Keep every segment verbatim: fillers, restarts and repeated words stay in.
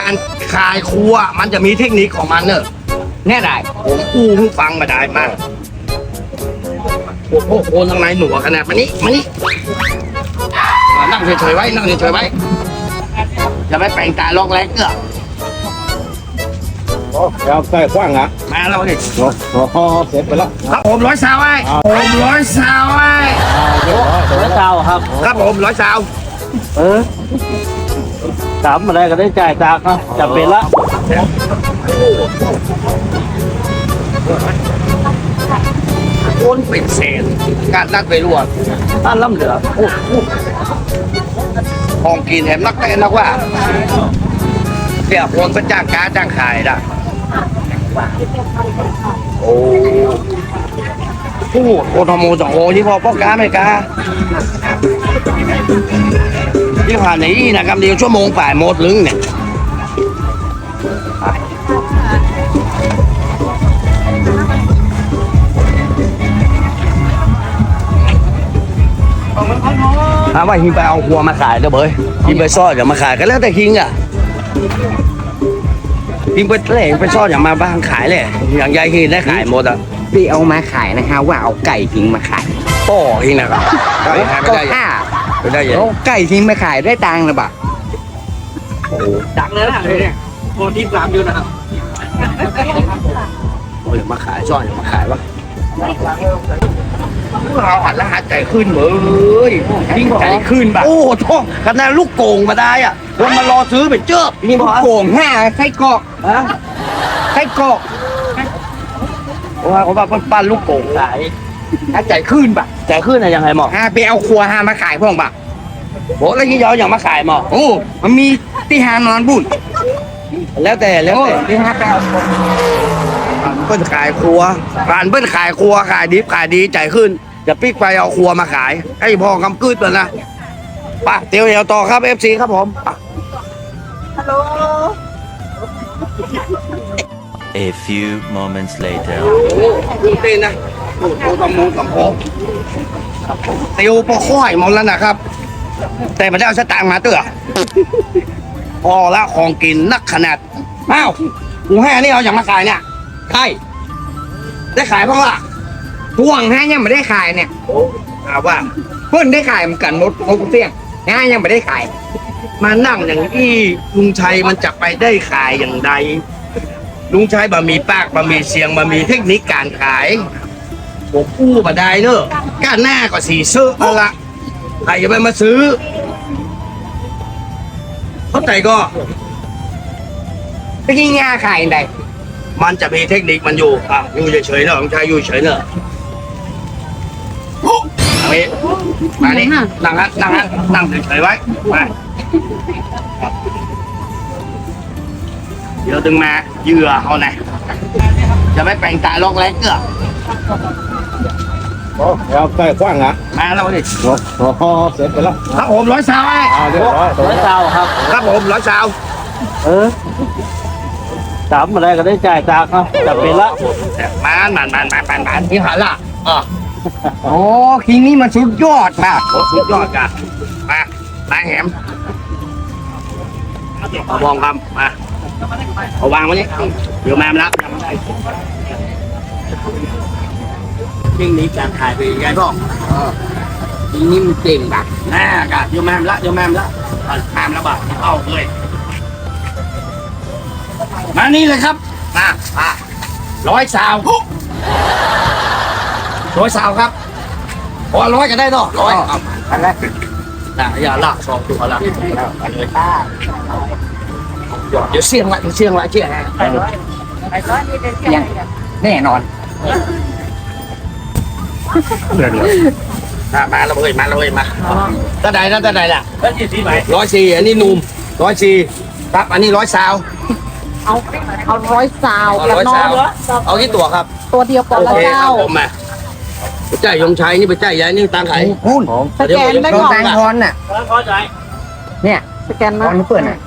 การขายครัวมันจะมีเทคนิคของมันเนอะแน่ได้ผมอู้หูฟังมาได้มากโอ้โหโอนทางไหนหนูขนาดมานี้มานี้นั่งเฉยๆไว้นั่งเฉยๆไว้จะไม่แปลงตาลอกแรกเกลือโอ้ยาวใส่กว้างอ่ะมาแล้วดิโอ้โหเสร็จไปแล้วครับผมร้อยสาวไอ้ผมร้อยสาวไอ้เรียบร้อยร้อยเก้าครับครับผมร้อยสาวเออถามอะไรก็ได้จ่ายจากนะจะเป็นละโอนเป็นเศษการนัดไปรวดท่านล่ำเหลือโอ้โหของกินแถมนักเต้นนักว่าเสียคนเป็นจ้างการจ้างขายนะโอ้โหโอทโมสองโอที่พอพ่อค้าไม่กล้าที่ผ่านนี้นะครับเดียวชั่วโมงฝ่ายหมดลึงเนี่ยถามว่าฮิงไปเอาครัวมาขายเด้อเบยฮิงไปซ่อนอย่ามาขายก็แล้วแต่ฮิงอ่ะฮิงไปเล่ไปซ่อนอย่ามาบ้างขายเลยอย่างยายฮิงได้ขายหมดอ่ะพี่เอามาขายนะฮะว่าเอาไก่ทิ้งมาขายโป้ฮิงนะครับขายไม่ก็ได้ห้าไม่ได้ยังเอาไก่ทิ้งมาขายได้ตังค์หรือเปล่าดังเลยนะเนี่ยโคนที่สามอยู่นะครับโอ้ยอย่ามาขายซ่อนอย่ามาขายวะเราหันละหันใจขึ้นเหมือยยิ่งใจขึ้นแบบโอ้โหขนาดลูกโก่งมาได้อ่ะคนมารอซื้อเป็นเจ้านี่บอกโก่งห้าไส้กรอกฮะไส้กรอกเพราะว่าเขาว่าปั้นลูกโป่งขายถ้าใจขึ้นปะใจขึ้นอะยังไงหมอห้าไปเอาครัวห้ามาขายพ่องปะโหแล้วยี่ยออย่างมาขายหมอโอ้มันมีที่หานอนบุญแล้วแต่แล้วโอ้แต่ที่หาไปเอาเปิ้นขายครัวผ่านเปิ้นขายครัวขายดิบขายดีใจขึ้นจะปิ๊กไปเอาครัวมาขายให้พอกำกืดเลยนะไป่ะเตียวเดียวต่อครับเอฟซีครับผม A few moments later. เต้นนะโอ้โหตำมูตำโพเตียวปอค่อยหมดแล้วนะครับ แต่ไม่ได้เอาสตางค์มาเตื้อพอละของกินนักขนาดอ้าวกูให้อันนี้เอาอย่างมาขายเนี่ยใช่ได้ขายบ้างล่ะพ่วงห้ายังไม่ได้ขายเนี่ยถามว่าเพิ่นได้ขายเหมือนกันหมดหมดเสี้ยงห้ายังไม่ได้ขายมานั่งอย่างนี้ลุงชัยมันจะไปได้ขายอย่างใดลุงชัยบะหมี่ปากบะหมี่เสียงบะหมี่เทคนิคการขายผมกู้มาได้เนอะก้านหน้าก็สีซื้อมาละใครจะไปมาซื้อเข้าใจก็ตะกี้ง่าขายอันใดมันจะมีเทคนิคมันอยู่อ่ะอยู่เฉยๆเนอะลุงชัยอยู่เฉยเนอะเอาไปมานี่นั่งฮะนั่งฮะนั่งเฉยๆไว้มาเดี๋ยวดึงมาเหยื่อเอาไหนจะไม่แปลงตาลอกแรกเกลือโอ้ยาวใส่กว้างอ่ะมาแล้วดิโอ้โหเสร็จไปแล้วครับผมร้อยสาวไอ้อ่าเรียบร้อยร้อยเก้าครับครับผมร้อยสาวเออถามอะไรก็ได้จ่ายจากนะจะเป็นละมามันมันมันมันมันที่หันละอ๋อโอ้คิงนี่มันสุดยอดมากโอ้สุดยอดกันมามาแหมเอาวางคำมาเอาวางไว้นี่เดี๋ยวมามาแล้วยิ่งนี้การขายไปยังไงพ่อคิงนี่มันเก่งปะแน่กะเดี๋ยวมาแล้วเดี๋ยวมาแล้วตามแล้วบ่าเอาเลยมานี่เลยครับมามาร้อยสาวร้อยสาวครับพอร้อยก็ได้เนาะร้อยเอาอันแรกนะอย่าละสองตัวละเอาเลยเดี๋ยวเสี่ยงละเดี๋ยวเสี่ยงละเชี่ยยังแน่นอนมามาแล้วเว้ยมาแล้วเว้ยมาตาใดนะตาใดล่ะแล้วยี่สิบไหมร้อยสี่อันนี้หนุ่มร้อยสี่ครับอันนี้ร้อยสาวเอาเอาร้อยซาวเอาแล้วร้อยน้อสาง วเอากี่ตัวครับตัวเดียวก่อนละโอเคคเจ้ารับผมมาไปจ่ายยงชัยนี่ไปจ่ายยายนี่ตังค์ไขหุ้นสแกนได้โดนก่อนแตงทอนน่ะเข้าใจเนี่ยสแกนตนะอนนี้เปิดน่ะ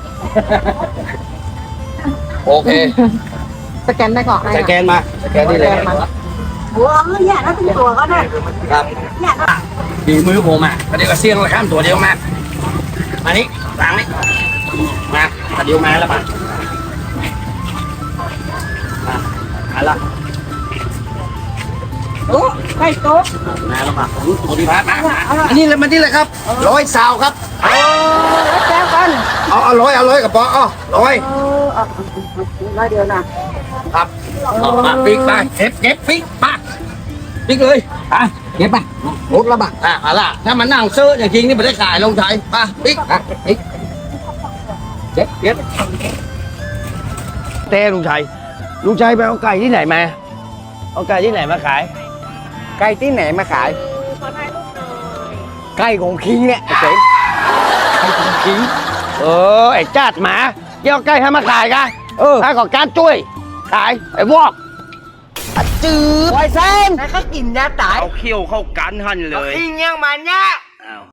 โอเคสแกนได้ก่อนสแกนมาสแกนนี่เลยมาหัวเออแย่แล้วถึงตัวก็ได้ครับแย่แล้วดีมือผมอ่ะประเดี๋ยวก็เสี่ยงละข้ามตัวเดียวมามานี่วางนี่มาประเดี๋ยวมาแล้วมาอะไรโอ้ไก่โต๊ะแม่ละมาโอ้ดีพัดมาอันนี้เลยมันนี่เลยครับร้อยสาวครับเออแล้วแจ้งกันเอาเอาร้อยเอาร้อยกับปออ๋อร้อยเออเอาร้อยเดียวนะครับเอามาปิ๊กไปเก็บเก็บปิ๊กปากปิ๊กเลยอ่ะเก็บไปรถละบาทอ่ะเอาล่ะถ้ามันนั่งซื้ออย่างจริงนี่ไม่ได้ขายลงไทยป่ะปิ๊กอ่ะปิ๊กเก็บเก็บเต้ลุงชัยลุงชัยไปเอาไก่ที่ไหนมาเอาไก่ที่ไหนมาขายไก่ที่ไหนมาขายไก่ของคิงเนี่ยไอ้เจ๋งขิงเออไอ้จาดหมาเกี่ยวไก่ให้มาขายกันเออถ้าก่อการช่วยขายไอ้วอกจืดไวเซนแล้วก็กินยาตายเอาเขี้ยวเข้ากันหันเลยคิงยังมันเนี่ย